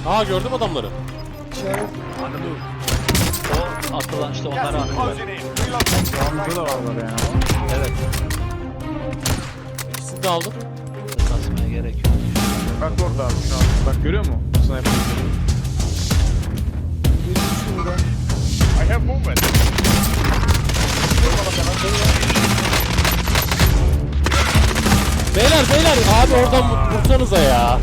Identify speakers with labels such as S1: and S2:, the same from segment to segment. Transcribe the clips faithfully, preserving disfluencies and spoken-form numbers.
S1: Aa gördüm adamları.
S2: İşaret.
S3: O atılan işte onlara atıyorlar.
S4: Sağımızda da varlar yani.
S3: Evet.
S1: İkisini de aldım.
S3: Kasmaya gerek yok.
S4: Bak orada abi şu an. Bak görüyor musun? Sniper.
S2: Bir düştü burada.
S5: I have movement.
S1: Beyler beyler abi oradan vursanıza ya.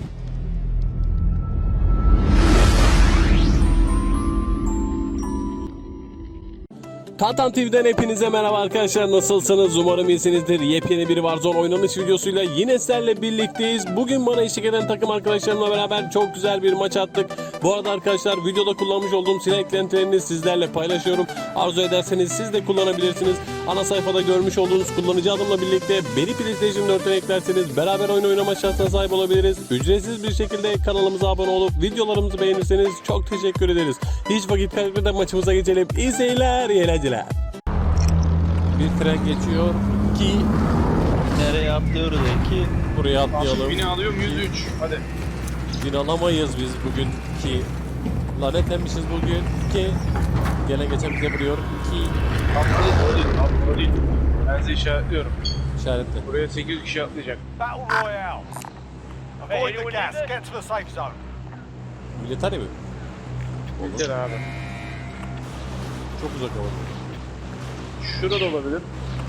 S1: Tantan T V'den hepinize merhaba arkadaşlar, nasılsınız? Umarım iyisinizdir. Yepyeni bir Warzone oynanış videosuyla yine sizlerle birlikteyiz. Bugün bana eşlik eden takım arkadaşlarımla beraber çok güzel bir maç attık. Bu arada arkadaşlar videoda kullanmış olduğum silah eklentilerini sizlerle paylaşıyorum. Arzu ederseniz siz de kullanabilirsiniz. Ana sayfada görmüş olduğunuz kullanıcı adımla birlikte beni PlayStation dört'ten eklerseniz beraber oyun oynama şansına sahip olabiliriz. Ücretsiz bir şekilde kanalımıza abone olup videolarımızı beğenirseniz çok teşekkür ederiz. Hiç vakit kaybetmeden maçımıza geçelim. İyi seyirler, iyi eğlenceler. Bir tren geçiyor ki
S3: Nereye atlıyoruz ki?
S1: buraya
S4: Şimdi
S1: atlayalım.
S4: bini alıyorum yüz üç. Hadi.
S1: Bin alamayız biz bugün ki. Lanetlenmişiz bugün ki. Gelen geçen bize vuruyor ki.
S4: Atladı o değil. Atladı o değil. Ben size işaretliyorum.
S1: İşaretle.
S4: Buraya sekiz yüz kişi atlayacak.
S5: Battle Royale. Avoid the gas. Get to the safe zone.
S1: Militari mi?
S4: Güzel abi.
S1: Çok uzak ama.
S4: Şurada da olabilir.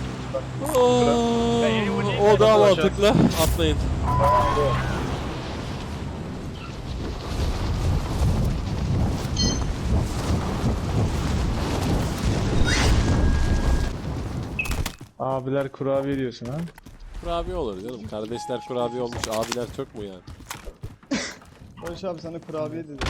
S1: Oo, o daha mantıklı. Atlayın.
S4: Abiler kurabiye diyorsun ha?
S1: Kurabiye olur canım. Kardeşler kurabiye olmuş. Abiler çok mu yani?
S2: Barış abi sana kurabiye dedi.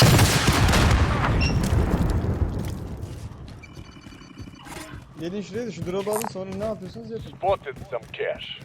S2: Gelin şuraya da şu drop'u alın, sonra ne yapıyorsunuz yapın.
S5: Spotted some cash.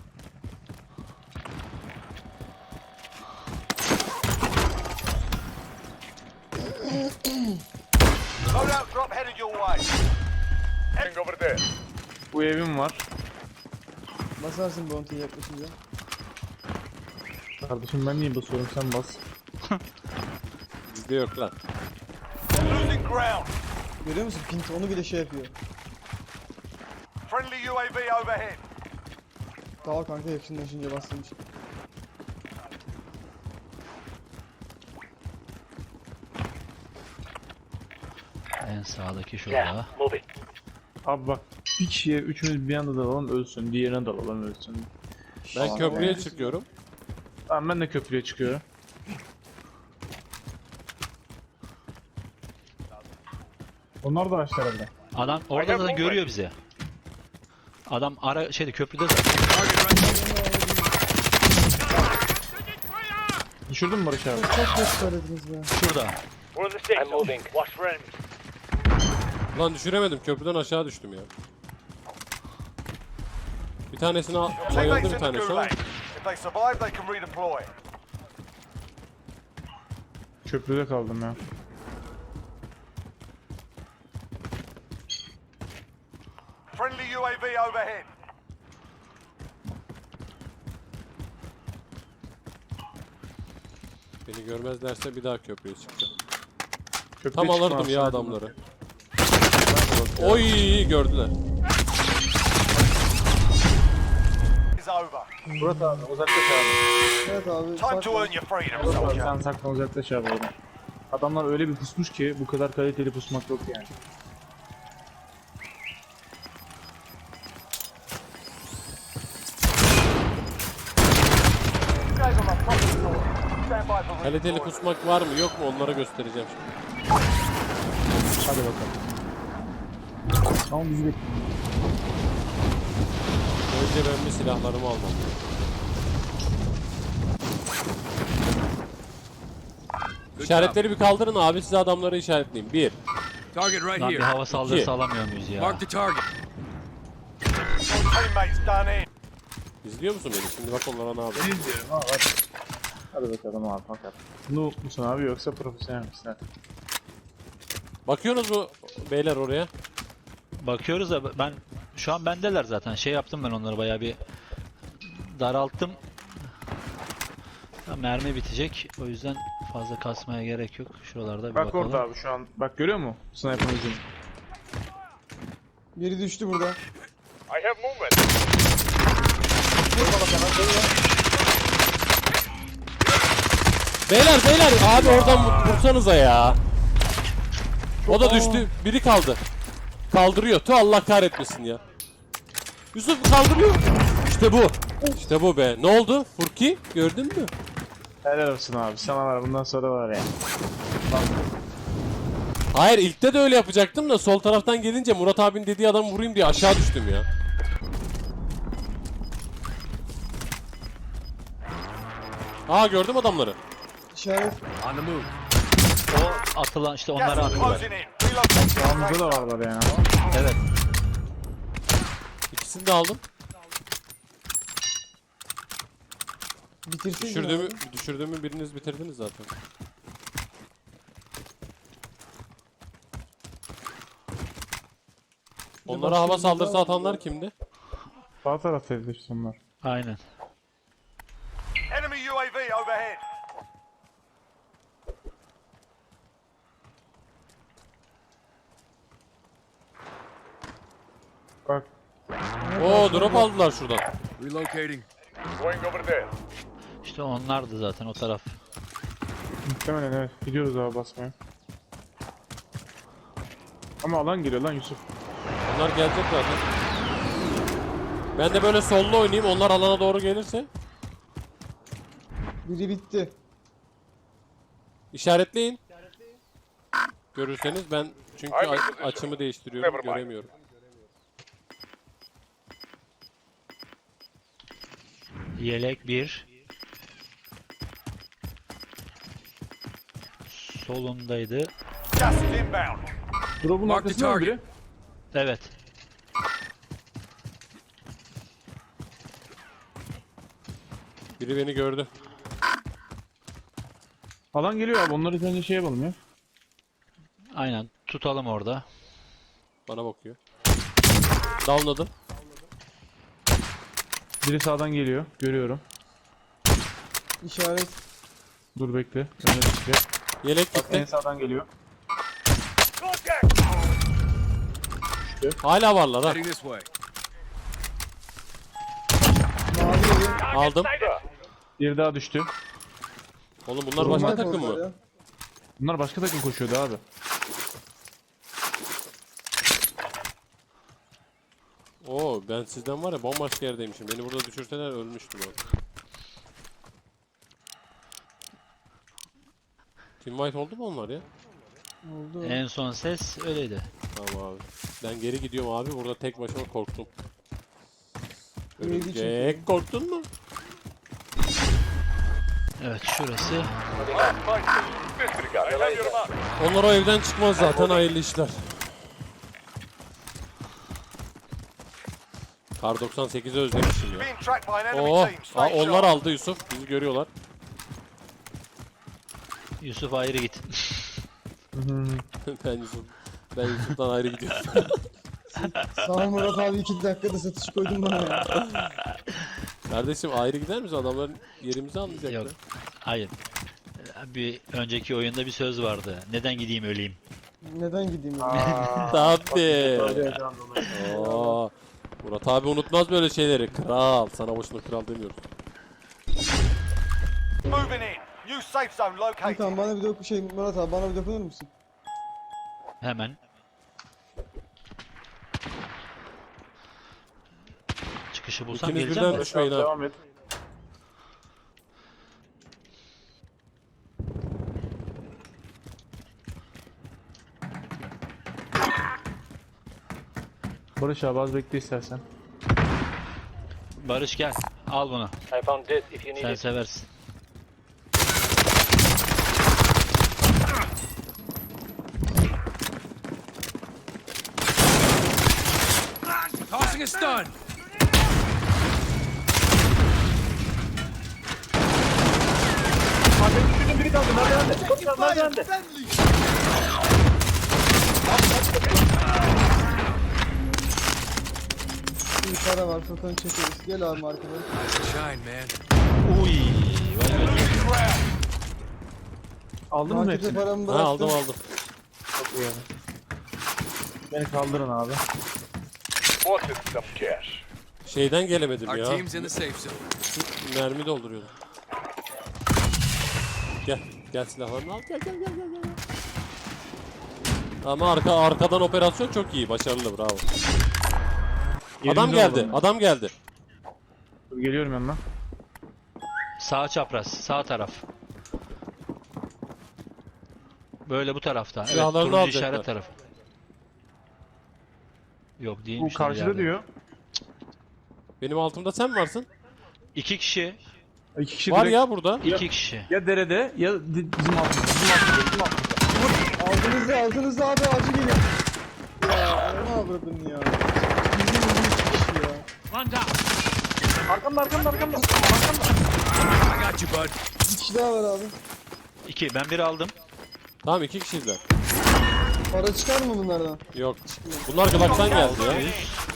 S5: Loadout drop headed your way. Heading over there.
S4: Bu evim var.
S2: Basarsın bounty'ye yaklaşınca.
S4: Kardeşim ben niye basıyorum sen bas.
S1: Bizde yok lan.
S5: Losing ground.
S2: Görüyor musun? Pint onu bile şey yapıyor.
S5: Friendly U A V overhead.
S2: Sağ ol kanka, yakınlaşınca bastığım için.
S3: En sağdaki şurada.
S4: Abi bak bir kişiye üçümüz bir anda dalalım ölsün. Diğerine dalalım ölsün.
S1: Ben
S2: Aa,
S1: köprüye
S2: evet.
S1: çıkıyorum.
S4: Tamam ben de köprüye çıkıyorum. Onlar da açtı herhalde.
S3: Adam orada da görüyor bizi. Adam ara şeyde köprüde zaten.
S4: Düşürdün mü Barış abi?
S2: Çok geç söylediniz be.
S3: Şurada.
S5: We're in the safe zone. Watch for enemies.
S1: Lan düşüremedim. Köprüden aşağı düştüm ya. Bir tanesini al-
S5: Your
S1: bayıldı
S5: teammates
S1: bir
S5: in the
S1: tanesi ama.
S5: gulag. If they survive, they can redeploy.
S4: Köprüde kaldım ya.
S5: Friendly U A V overhead.
S1: Beni görmezlerse bir daha köprüye çıkacağım.
S4: Köprüye
S1: Tam
S4: çıkma
S1: alırdım ya
S4: aslında.
S1: adamları. Oy gördüler.
S5: Is over.
S4: Murat abi uzaklaş abi.
S2: Evet abi.
S5: Time
S2: saklan.
S5: to earn your freedom,
S4: Murat abi
S5: soldier.
S4: sen saklan uzaklaş abi oradan. Adamlar öyle bir pusmuş ki bu kadar kaliteli pusmak yok yani.
S5: Gave them a proper sword. Stand by for
S1: Kaliteli
S5: redeployment.
S1: kusmak var mı yok mu onlara göstereceğim şimdi.
S4: Hadi bakalım. Tamam bizi bekle.
S1: Önce ben bir silahlarımı almam. İşaretleri bir kaldırın abi, size adamları işaretleyeyim. Bir.
S6: Target right
S3: Lan bir
S6: here.
S3: hava saldırısı
S1: İki.
S3: alamıyor muyuz ya?
S6: Mark the target.
S5: Your teammates done in.
S1: İzliyor musun beni? Şimdi bak onlara ne yapıyor.
S4: Ne diyorum abi hadi. Hadi bakalım abi bakalım. Bunu musun abi yoksa profesyonel misin hadi.
S1: Bakıyorsunuz mu beyler oraya?
S3: Bakıyoruz da ben şu an bendeler zaten. Şey yaptım ben onları bayağı bir daralttım. Ya mermi bitecek. O yüzden Fazla kasmaya gerek yok. Şuralarda bir
S4: Bak
S3: bakalım.
S4: orada abi şu an. Bak görüyor musun? Sniper'ın ucunu.
S2: Biri düştü burada.
S5: I have movement.
S1: Beyler beyler abi oradan vur- vursanıza ya. O da düştü. Biri kaldı. Kaldırıyor. Tu Allah kahretmesin ya. Yusuf kaldırıyor. İşte bu. İşte bu be. Ne oldu? Furki gördün mü?
S4: Helal olsun abi. Sana var bundan sonra var ya.
S1: Hayır ilkte de öyle yapacaktım da sol taraftan gelince Murat abinin dediği adamı vurayım diye aşağı düştüm ya. Aa gördüm adamları.
S2: İşaret.
S3: O atılan işte onları
S5: Gas is
S3: attılar.
S5: closing in. Relocating.
S4: Sağımızda da varlar yani.
S3: Evet.
S1: İkisini de aldım.
S2: Bitirsin.
S1: Düşürdüğümü, düşürdüğümü biriniz bitirdiniz zaten. Onlara hava saldırısı atanlar kimdi?
S4: Sağ taraftaydı işte onlar.
S3: Aynen.
S5: Enemy U A V overhead.
S4: Bak.
S1: Oo drop aldılar şuradan.
S5: Relocating. Going over there.
S3: İşte onlardı zaten o taraf.
S4: Muhtemelen evet. Gidiyoruz abi basmaya. Ama alan geliyor lan Yusuf.
S1: Onlar gelecek zaten. Ben de böyle sollu oynayayım. Onlar alana doğru gelirse
S2: Biri bitti.
S1: işaretleyin. Görürseniz ben çünkü a- açımı değiştiriyorum, göremiyorum.
S3: Yelek bir. Solundaydı.
S5: Gas is inbound.
S4: Drop'un arkasında mı biri?
S3: Evet.
S1: Biri beni gördü.
S4: Alan geliyor abi. Onları önce şey yapalım ya.
S3: Aynen. Tutalım orada.
S1: Bana bakıyor. Downladım.
S4: Biri sağdan geliyor. Görüyorum.
S2: İşaret.
S4: Dur bekle. Önce çıkacak.
S1: Yelek
S4: En
S1: gitti.
S4: sağdan geliyor.
S5: Contact.
S1: Hala varlar ha.
S5: this way.
S2: Mavi yeri.
S1: Aldım.
S4: Bir daha düştü.
S1: Oğlum bunlar başka
S2: Normal
S1: takım
S2: kontrol
S1: mı?
S2: ya.
S4: Bunlar başka takım koşuyordu abi.
S1: Oo ben sizden var ya bambaşka yerdeymişim. Beni burada düşürseler ölmüştüm abi. Team White oldu mu onlar ya?
S2: Oldu.
S3: En son ses öyleydi.
S1: Tamam abi. Ben geri gidiyorum abi. Burada tek başıma korktum.
S2: Neydi çünkü?
S1: Örümcek korktun mu?
S3: Evet şurası.
S5: Disregard. I have your mark.
S1: Onlar o evden çıkmaz zaten hayırlı işler. Kar doksan sekizi özlemişim ya.
S5: Being tracked by an enemy
S1: Oo,
S5: team.
S1: aa,
S5: Stay
S1: onlar
S5: sharp.
S1: aldı Yusuf. Bizi görüyorlar.
S3: Yusuf ayrı git.
S1: ben Yusuf. Ben Yusuf'tan ayrı gidiyorum.
S2: Sağ ol Murat abi iki dakikada satış koydun bana ya.
S1: Kardeşim ayrı gider misin? Adamların yerimizi anlayacaklar.
S3: Yok. Hayır. Bir önceki oyunda bir söz vardı. Neden gideyim öleyim?
S2: Neden gideyim ya?
S1: Tabii. Oo. Murat abi unutmaz böyle şeyleri. Kral. Sana boşuna kral demiyoruz.
S5: Moving in. New safe zone located.
S2: Tamam bana bir doku şey Murat abi bana bir dokunur musun?
S3: Hemen. Çıkışı bulsam
S1: İkiniz
S3: geleceğim
S1: birden
S3: de.
S1: düşmeyin ha.
S4: Devam et. Barış abi az bekle istersen.
S3: Barış gel. Al bunu. Sen seversin.
S5: Tossing a stun.
S2: Bir para var fotoğrafını çekeriz. Gel abi markada.
S5: Shine, man.
S3: Uy. Vay be.
S4: Aldın mı
S2: Markete
S4: hepsini?
S2: paramı
S1: Ha
S2: bıraktım.
S1: aldım aldım.
S4: Çok iyi yani. Beni kaldırın abi.
S5: Spotted some cash.
S1: Şeyden gelemedim
S6: Our
S1: ya.
S6: team's in the safe zone.
S1: Mermi dolduruyordum. Gel. Gel silahlarını al. Gel gel gel gel. gel. Ama arka arkadan operasyon çok iyi. Başarılı, bravo. Adam
S4: Yerimize
S1: geldi.
S4: alalım.
S1: Adam geldi.
S4: Dur, geliyorum yanına.
S3: Sağ çapraz, sağ taraf. Böyle bu tarafta. Evet,
S1: Silahlarını
S3: turuncu
S1: alacaklar.
S3: işaret tarafı. Yok
S4: Bu
S3: değilmiş.
S4: karşıda
S3: ileride.
S4: diyor.
S1: Benim altımda sen mi varsın?
S3: İki kişi,
S4: İki kişi
S1: Var
S4: direkt
S1: ya burada.
S3: iki kişi.
S4: ya derede ya di- bizim altımızda. Bizim altımızda. Bizim altımızda.
S2: Altınızda altınızda abi acı geliyor. Ya ne avradın ya. Bizim bir kişi ya.
S4: Arkamda arkamda arkamda.
S6: I got you, bud.
S2: Bir kişi daha var abi.
S3: İki, ben biri aldım.
S1: Tamam, iki kişiydiler.
S2: Para çıkar mı bunlardan?
S1: Yok. Bunlar Glock'tan geldi ya.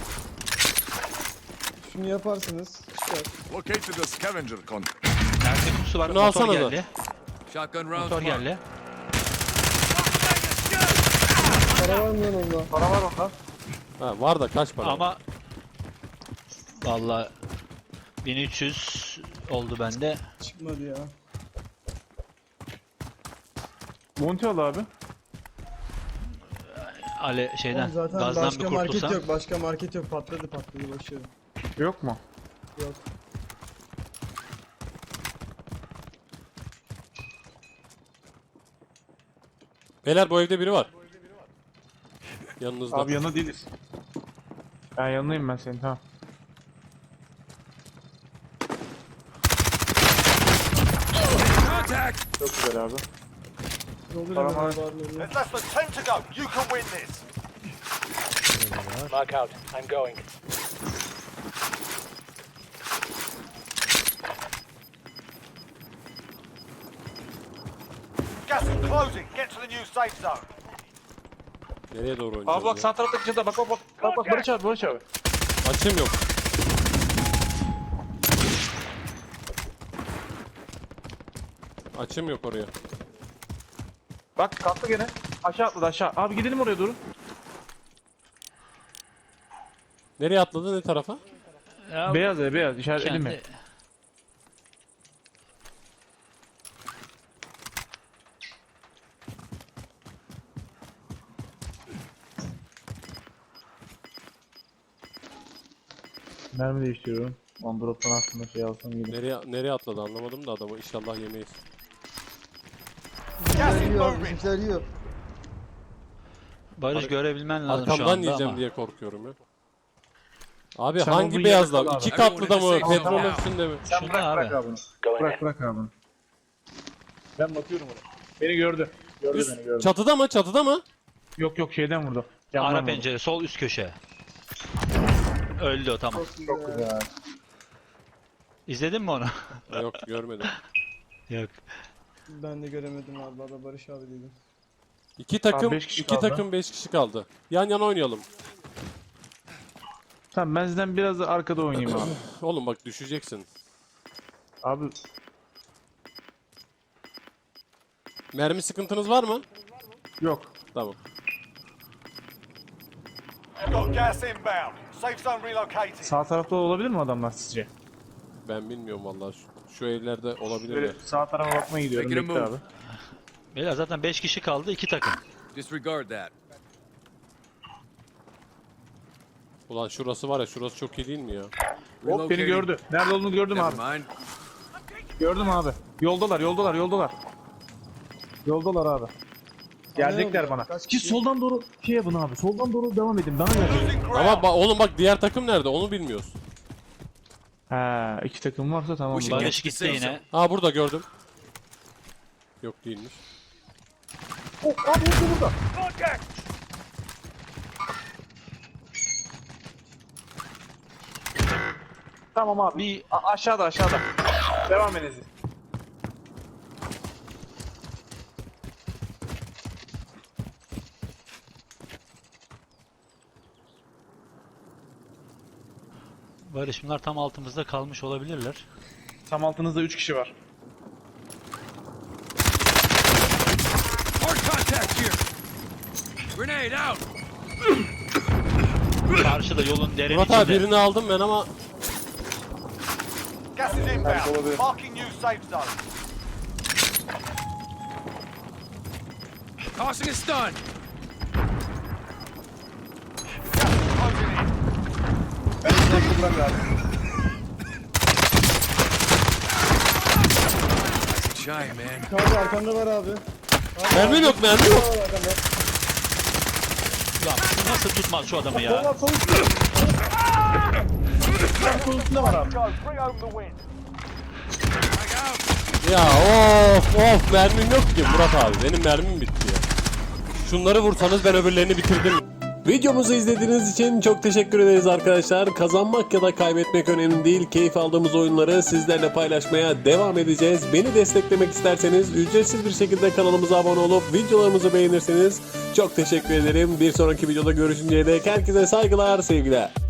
S2: Şunu yaparsınız. Çıkar.
S5: Located a scavenger con.
S3: Erkek kutusu var,
S1: Bunu
S3: motor
S1: alsana da.
S3: geldi.
S6: Shotgun rounds.
S3: Motor
S6: marked.
S3: geldi.
S2: Para var mı lan onda?
S4: Para var onda.
S1: Ha, var da kaç para?
S3: Ama vallahi bin üç yüz oldu bende.
S2: Çıkmadı ya.
S4: Monty al abi.
S3: Ale şeyden,
S2: Oğlum zaten
S3: gazdan bir
S2: başka market
S3: kurtulsam.
S2: yok. Başka market yok. Patladı patladı başarı.
S4: Yok mu?
S2: Yok.
S1: Beyler, bu evde biri var. Yanınızda.
S4: Abi yanına değiliz. Ben yanındayım ben senin, tamam.
S6: Contact.
S4: Çok güzel abi.
S2: Doldur
S4: Para
S2: hemen
S4: var.
S2: abi barları.
S5: There's less than ten to go. You can win this. Mark out. I'm going. Gas is closing. Get to the new safe zone.
S1: Nereye doğru oynayacağız?
S4: Abi bak
S1: ya?
S4: sağ taraftaki çatıda bak bak bak. Bak bak Barış abi Barış abi.
S1: Açım yok. Açım yok oraya.
S4: Bak kalktı gene. Aşağı atladı aşağı. Abi gidelim oraya doğru.
S1: Nereye atladı, ne tarafa?
S3: Ya,
S4: Beyaz ya beyaz işaretledim mi?
S3: kendi...
S4: Mermi değiştiriyorum. On drop'tan aslında şey alsam iyi.
S1: Nereye nereye atladı anlamadım da adamı, inşallah yemeyiz.
S5: Gas is
S2: Bizimkiler yiyor abi.
S5: moving.
S2: Bizimkiler yiyor.
S3: Barış görebilmen lazım şu
S1: Arkamdan
S3: anda
S1: yiyeceğim
S3: ama.
S1: diye korkuyorum ya. Abi
S4: Sen
S1: hangi
S4: olduğun
S1: beyazlar?
S4: yerde kal
S1: İki
S6: abi.
S1: katlı da mı?
S6: Everyone is safe
S1: Petrol
S6: zone.
S1: üstünde mi?
S4: Sen
S3: Şurada
S4: bırak
S3: abi.
S4: bırak abi bunu. Bırak bırak abi bunu. Ben bakıyorum ona. Beni gördü. Gördü
S1: Üst,
S4: beni gördü.
S1: çatıda mı? Çatıda mı?
S4: Yok yok şeyden vurdu. Yandan
S3: Ara
S4: vurdu.
S3: pencere, sol üst köşe. Öldü o, tamam.
S2: Çok güzel.
S3: İzledin mi onu?
S1: Yok, görmedim.
S3: Yok.
S2: Ben de göremedim abi. Valla Barış abi dedim.
S1: İki takım,
S4: beş kişi
S1: iki
S4: kaldı.
S1: takım beş kişi kaldı. Yan yana oynayalım.
S4: Tamam ben sizden biraz da arkada oynayayım abi.
S1: Oğlum bak, düşeceksin.
S4: Abi
S1: Mermi sıkıntınız var mı?
S4: yok.
S1: Tamam.
S5: You've got gas inbound. Safe zone relocated.
S4: Sağ tarafta olabilir mi adamlar sizce?
S1: Ben bilmiyorum vallahi. Şu, şu evlerde olabilir
S4: Böyle
S1: mi?
S4: sağ tarafa bakmaya gidiyorum.
S6: Make it a
S4: Bekle
S6: move.
S4: abi.
S3: Beyler zaten beş kişi kaldı, iki takım.
S6: Disregard that.
S1: Ulan şurası var ya, şurası çok iyi değil mi ya?
S4: Hop beni
S6: Relocating.
S4: gördü. Nerede olduğunu gördüm abi.
S6: Never mind.
S4: Gördüm abi. Yoldalar yoldalar yoldalar. Yoldalar abi. Gelecekler
S2: Anlayamadım.
S4: bana.
S2: Kaç
S4: Siz
S2: kişi?
S4: soldan doğru şey yapın abi. Soldan doğru devam edin. Bana gelecek.
S5: Losing ground.
S1: Ama ba- oğlum bak, diğer takım nerede? Onu bilmiyoruz.
S4: Ha, iki takım varsa tamam.
S6: Bu
S4: Barış.
S3: Barış gitti yine.
S1: Ha, burada gördüm. Yok, değilmiş.
S4: Oh, abi burada burada.
S5: Contact.
S4: Tamam abi.
S3: Bir
S4: A- aşağıda aşağıda. Devam edin siz.
S3: Barış, bunlar tam altımızda kalmış olabilirler.
S4: Tam altınızda üç kişi var.
S6: Grenade out.
S3: Karşıda yolun derin
S1: Murat abi
S3: içinde.
S1: birini aldım ben ama
S5: Gas is inbound. Marking new safe zone.
S6: Tossing a stun.
S5: Gas is closing in.
S2: Ben de bırak abi.
S6: Shy, man.
S2: Abi arkanda var abi.
S1: mermim yok mermim yok.
S2: Var arkanda.
S3: Lan bu nasıl tutmaz şu adamı ya?
S2: Valla sol üstte. Tam sol üstünde var abi.
S5: Go. Bring home the win.
S1: Ya of of mermim yok ki Murat abi benim mermim bitti ya. Şunları vursanız ben öbürlerini bitirdim. Videomuzu izlediğiniz için çok teşekkür ederiz arkadaşlar. Kazanmak ya da kaybetmek önemli değil. Keyif aldığımız oyunları sizlerle paylaşmaya devam edeceğiz. Beni desteklemek isterseniz ücretsiz bir şekilde kanalımıza abone olup videolarımızı beğenirseniz çok teşekkür ederim. Bir sonraki videoda görüşünceye dek herkese saygılar, sevgiler.